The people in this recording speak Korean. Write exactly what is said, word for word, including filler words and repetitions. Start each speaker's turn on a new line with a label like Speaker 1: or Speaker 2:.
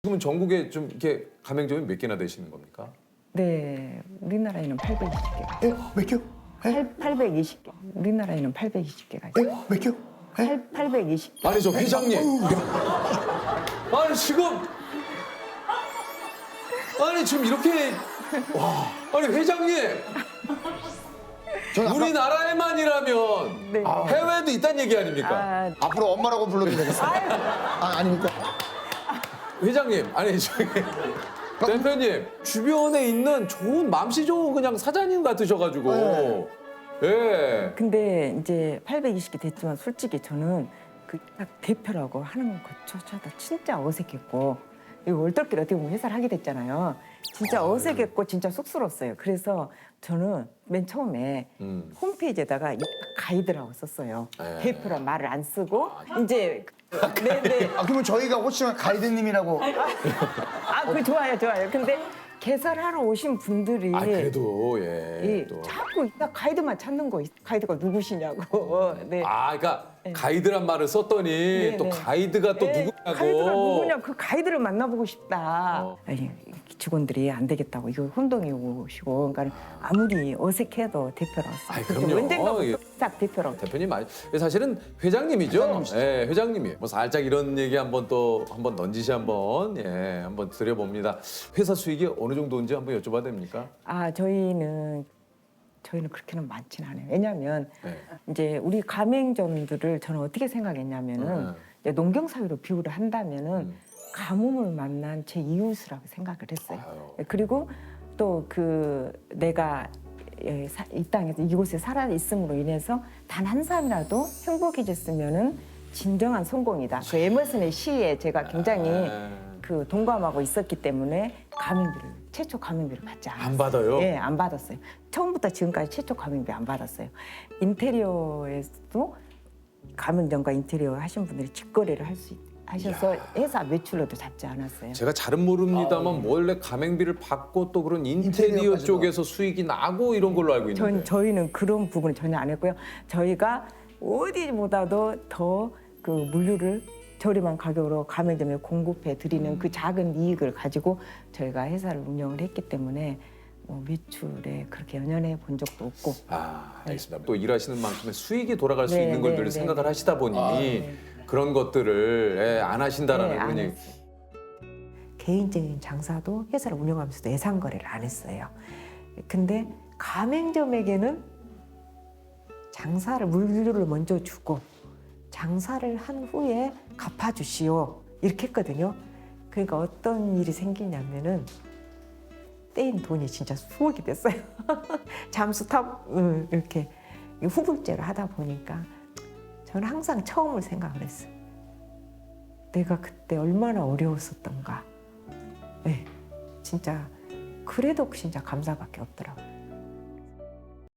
Speaker 1: 지금은 전국에 좀 이렇게 가맹점이 몇 개나 되시는 겁니까?
Speaker 2: 네, 우리나라에는 팔백이십 개가
Speaker 3: 에? 몇 개? 에?
Speaker 2: 팔백이십 개. 우리나라에는 팔백이십 개가
Speaker 3: 에?
Speaker 2: 있어요.
Speaker 3: 몇 개? 에?
Speaker 2: 팔백이십 개.
Speaker 1: 아니 저 회장님. 아니 지금 아니 지금 이렇게 와 아니 회장님
Speaker 3: 저는 아까
Speaker 1: 우리나라에만이라면
Speaker 2: 네.
Speaker 1: 해외도 있다는 얘기 아닙니까?
Speaker 2: 아,
Speaker 3: 앞으로 엄마라고 불러도 되겠어요? 아, 아닙니까?
Speaker 1: 회장님 아니 저기 대표님 주변에 있는 좋은 맘씨 좋은 그냥 사장님 같으셔가지고
Speaker 3: 네.
Speaker 1: 예.
Speaker 2: 근데 이제 팔백이십 개 됐지만 솔직히 저는 그 딱 대표라고 하는 것조차도 진짜 어색했고 이거 얼떨결에 어떻게 보면 회사를 하게 됐잖아요. 진짜 어색했고 진짜 쑥스러웠어요. 그래서 저는 맨 처음에
Speaker 1: 음.
Speaker 2: 홈페이지에다가 이 가이드라고 썼어요.
Speaker 1: 네.
Speaker 2: 대표란 말을 안 쓰고 이제 네네.
Speaker 3: 아, 그러면 저희가 혹시 가이드님이라고
Speaker 2: 아, 그 좋아요, 좋아요. 근데 개설하러 오신 분들이
Speaker 1: 아 그래도 예.
Speaker 2: 이
Speaker 1: 또.
Speaker 2: 자꾸 나 가이드만 찾는 거, 가이드가 누구시냐고. 네.
Speaker 1: 아 그러니까 가이드란 말을 썼더니
Speaker 2: 네,
Speaker 1: 또
Speaker 2: 네.
Speaker 1: 가이드가 또
Speaker 2: 네,
Speaker 1: 누구냐고.
Speaker 2: 가이드가 누구냐? 그 가이드를 만나보고 싶다.
Speaker 1: 어.
Speaker 2: 아니 직원들이 안 되겠다고 이거 혼동이 오시고, 그러니까 아무리 어색해도 대표라고 써.
Speaker 1: 아이, 그럼요.
Speaker 2: 언젠가
Speaker 1: 예.
Speaker 2: 딱 대표라고.
Speaker 1: 대표님 아니 사실은 회장님이죠.
Speaker 3: 회장님이시죠.
Speaker 1: 예, 회장님이. 뭐 살짝 이런 얘기 한번 또 한번 넌지시 한번 예, 한번 드려봅니다. 회사 수익이 어느 정도인지 한번 여쭤봐도 됩니까?
Speaker 2: 아 저희는 저희는 그렇게는 많지는 않아요. 왜냐하면
Speaker 1: 네.
Speaker 2: 이제 우리 가맹점들을 저는 어떻게 생각했냐면은
Speaker 1: 음.
Speaker 2: 이제 농경 사회로 비유를 한다면은
Speaker 1: 음.
Speaker 2: 가뭄을 만난 제 이웃이라고 생각을 했어요.
Speaker 1: 아유.
Speaker 2: 그리고 또 그 내가 예, 사- 이 땅에서 이곳에 살아 있음으로 인해서 단 한 사람이라도 행복해졌으면은 진정한 성공이다. 그 에머슨의 시에 제가 굉장히
Speaker 1: 네.
Speaker 2: 그 동감하고 있었기 때문에 가맹비를 최초 가맹비를 받지 않았어요.
Speaker 1: 안 받아요?
Speaker 2: 예, 안 받았어요. 처음부터 지금까지 최초 가맹비 안 받았어요. 인테리어에서도 가맹점과 인테리어 하신 분들이 직거래를 할 수 하셔서 회사 매출로도 잡지 않았어요.
Speaker 1: 제가 잘은 모릅니다만 원래 가맹비를 받고 또 그런 인테리어
Speaker 3: 인테리어까지도.
Speaker 1: 쪽에서 수익이 나고 이런 걸로 알고 있는데.
Speaker 2: 전, 저희는 그런 부분을 전혀 안 했고요. 저희가 어디보다도 더 그 물류를 저렴한 가격으로 가맹점에 공급해 드리는 그 작은 이익을 가지고 저희가 회사를 운영을 했기 때문에 뭐 매출에 그렇게 연연해 본 적도 없고.
Speaker 1: 아, 알겠습니다. 또 일하시는 만큼의 수익이 돌아갈 수
Speaker 2: 네,
Speaker 1: 있는
Speaker 2: 네,
Speaker 1: 것들을
Speaker 2: 네,
Speaker 1: 생각을
Speaker 2: 네.
Speaker 1: 하시다 보니
Speaker 3: 아,
Speaker 2: 네.
Speaker 1: 그런 것들을 예, 안 하신다라는
Speaker 2: 네, 안
Speaker 1: 그런 얘기.
Speaker 2: 했어요.
Speaker 4: 개인적인 장사도 회사를 운영하면서도 예상 거래를 안 했어요. 근데 가맹점에게는 장사를 물류를 먼저 주고 장사를 한 후에 갚아주시오 이렇게 했거든요. 그러니까 어떤 일이 생기냐면은 떼인 돈이 진짜 수억이 됐어요. 잠수 탑 음, 이렇게 후불제를 하다 보니까 저는 항상 처음을 생각을 했어요. 내가 그때 얼마나 어려웠었던가. 네, 진짜 그래도 진짜 감사밖에 없더라고요.